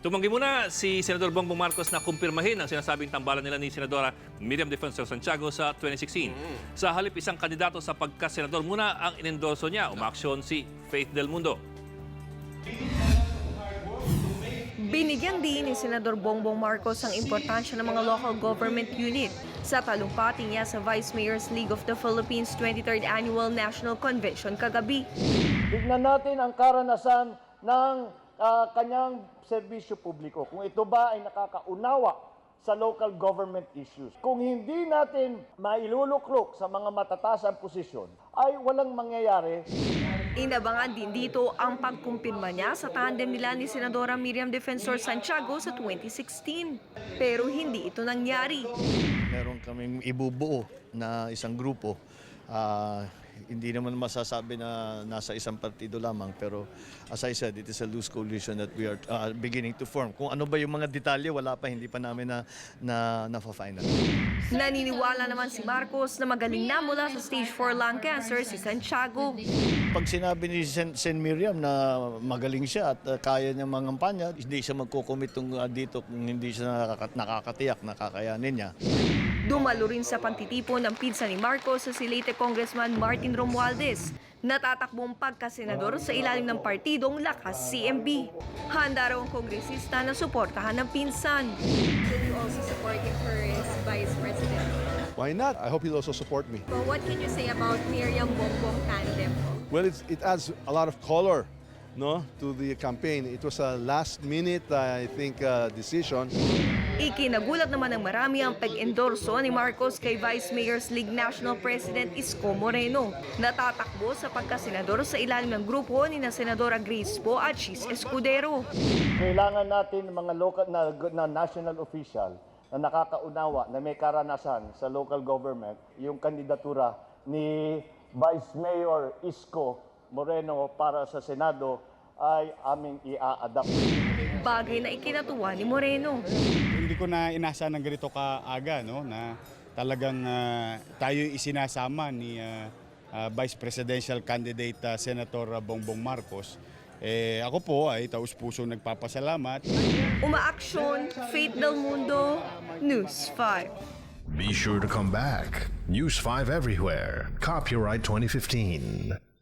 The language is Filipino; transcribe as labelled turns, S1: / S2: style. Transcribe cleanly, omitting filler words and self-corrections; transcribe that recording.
S1: Tumanggi muna si Senador Bongbong Marcos na kumpirmahin ang sinasabing tambalan nila ni Senadora Miriam Defensor Santiago sa 2016. Sa halip isang kandidato sa pagkasenador muna ang inendorso niya, umaksyon si Faith Del Mundo.
S2: Binigyang din ni Senador Bongbong Marcos ang importansya ng mga local government unit sa talumpati niya sa Vice Mayor's League of the Philippines 23rd Annual National Convention kagabi.
S3: Tignan natin ang karanasan ng kanyang serbisyo publiko. Kung ito ba ay nakakaunawa sa local government issues. Kung hindi natin mailuluklok sa mga matataas ang posisyon, ay walang mangyayari.
S2: Inabangan din dito ang pagkumpirma niya sa tandem nila ni Senadora Miriam Defensor Santiago sa 2016. Pero hindi ito nangyari.
S4: Meron kaming ibubuo na isang grupo. Hindi naman masasabi na nasa isang partido lamang, pero as I said, it is a loose coalition that we are beginning to form. Kung ano ba yung mga detalye, wala pa, hindi pa namin na-final.
S2: Naniniwala naman si Marcos na magaling na mula sa stage 4 lung cancer si Santiago.
S4: Pag sinabi ni Sen Miriam na magaling siya at kaya niya mangampanya, hindi siya magkukumit dito kung hindi siya nakakatiyak na kakayanin niya.
S2: Dumalo rin sa pagtitipon ng pinsan ni Marcos sa si late Congressman Martin Romualdez, natatakbong pagkasenador sa ilalim ng partidong Lakas CMB. Handa raw ang kongresista na suportahan ng pinsan.
S5: Will you also support him for his vice president?
S6: Why not? I hope he'll also support me.
S5: So what can you say about Miriam Bongbong tandem?
S6: Well, it adds a lot of color, no, to the campaign. It was a last-minute, I think, decision.
S2: Ikinagulat naman ng marami ang pag-endorso ni Marcos kay Vice Mayor's League National President Isko Moreno. Natatakbo sa pagkasenador sa ilalim ng grupo ni na Senadora Grace Poe at Chis Escudero.
S3: Kailangan natin mga local na national official na nakakaunawa, na may karanasan sa local government, yung kandidatura ni Vice Mayor Isko Moreno para sa Senado ay aming i-a-adapt.
S2: Bagay na ikinatuwa ni Moreno.
S7: Hindi ko na inasa ng ganito kaaga, no, na talagang tayo isinasama ni Vice Presidential Candidate Senator Bongbong Marcos. Ako po ay taus-pusong nagpapasalamat.
S2: Umaaksyon, Faith Del Mundo, News 5.
S8: Be sure to come back. News 5 everywhere. Copyright 2015.